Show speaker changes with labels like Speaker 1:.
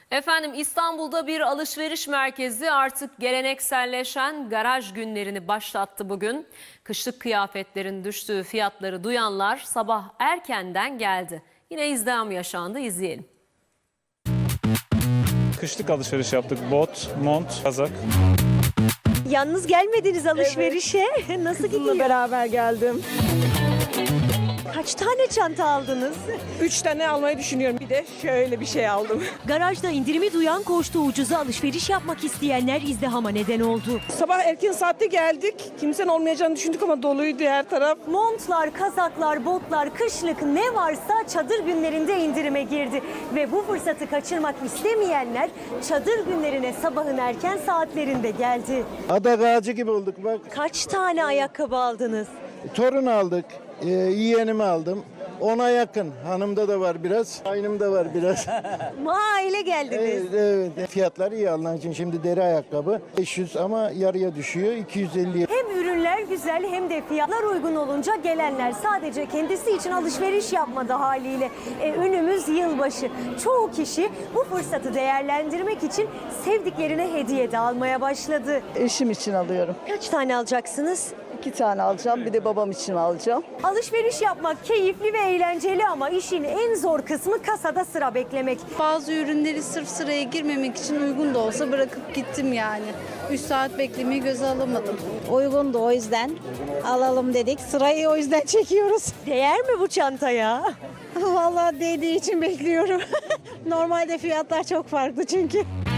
Speaker 1: Efendim İstanbul'da bir alışveriş merkezi artık gelenekselleşen garaj günlerini başlattı bugün. Kışlık kıyafetlerin düştüğü fiyatları duyanlar sabah erkenden geldi. Yine izdiham yaşandı, izleyelim.
Speaker 2: Kışlık alışveriş yaptık. Bot, mont, kazak.
Speaker 3: Yalnız gelmediniz alışverişe. Nasıl gidiyor?
Speaker 4: Beraber geldim.
Speaker 3: Kaç tane çanta aldınız?
Speaker 4: 3 tane almayı düşünüyorum. Bir de şöyle bir şey aldım.
Speaker 3: Garajda indirimi duyan koştu, ucuza alışveriş yapmak isteyenler izdihama neden oldu.
Speaker 4: Sabah erken saatte geldik. Kimsenin olmayacağını düşündük ama doluydu her taraf.
Speaker 3: Montlar, kazaklar, botlar, kışlık ne varsa çadır günlerinde indirime girdi. Ve bu fırsatı kaçırmak istemeyenler çadır günlerine sabahın erken saatlerinde geldi.
Speaker 5: Adak ağacı gibi olduk bak.
Speaker 3: Kaç tane ayakkabı aldınız?
Speaker 5: Torun aldık, yeğenimi aldım. Ona yakın. Hanımda da var biraz, aynımda var biraz.
Speaker 3: Aile geldiniz.
Speaker 5: Evet. Fiyatlar iyi alınan için şimdi deri ayakkabı 500 ama yarıya düşüyor 250.
Speaker 3: Hem ürünler güzel hem de fiyatlar uygun olunca gelenler sadece kendisi için alışveriş yapmadı haliyle. Önümüz yılbaşı. Çoğu kişi bu fırsatı değerlendirmek için sevdiklerine hediye de almaya başladı.
Speaker 6: Eşim için alıyorum.
Speaker 3: Kaç tane alacaksınız?
Speaker 6: 2 tane alacağım, bir de babam için alacağım.
Speaker 3: Alışveriş yapmak keyifli ve eğlenceli ama işin en zor kısmı kasada sıra beklemek.
Speaker 7: Bazı ürünleri sırf sıraya girmemek için uygun da olsa bırakıp gittim yani. 3 saat beklemeyi göze alamadım.
Speaker 8: Uygundu, o yüzden alalım dedik. Sırayı o yüzden çekiyoruz.
Speaker 3: Değer mi bu çantaya?
Speaker 8: Vallahi değdiği için bekliyorum. Normalde fiyatlar çok farklı çünkü.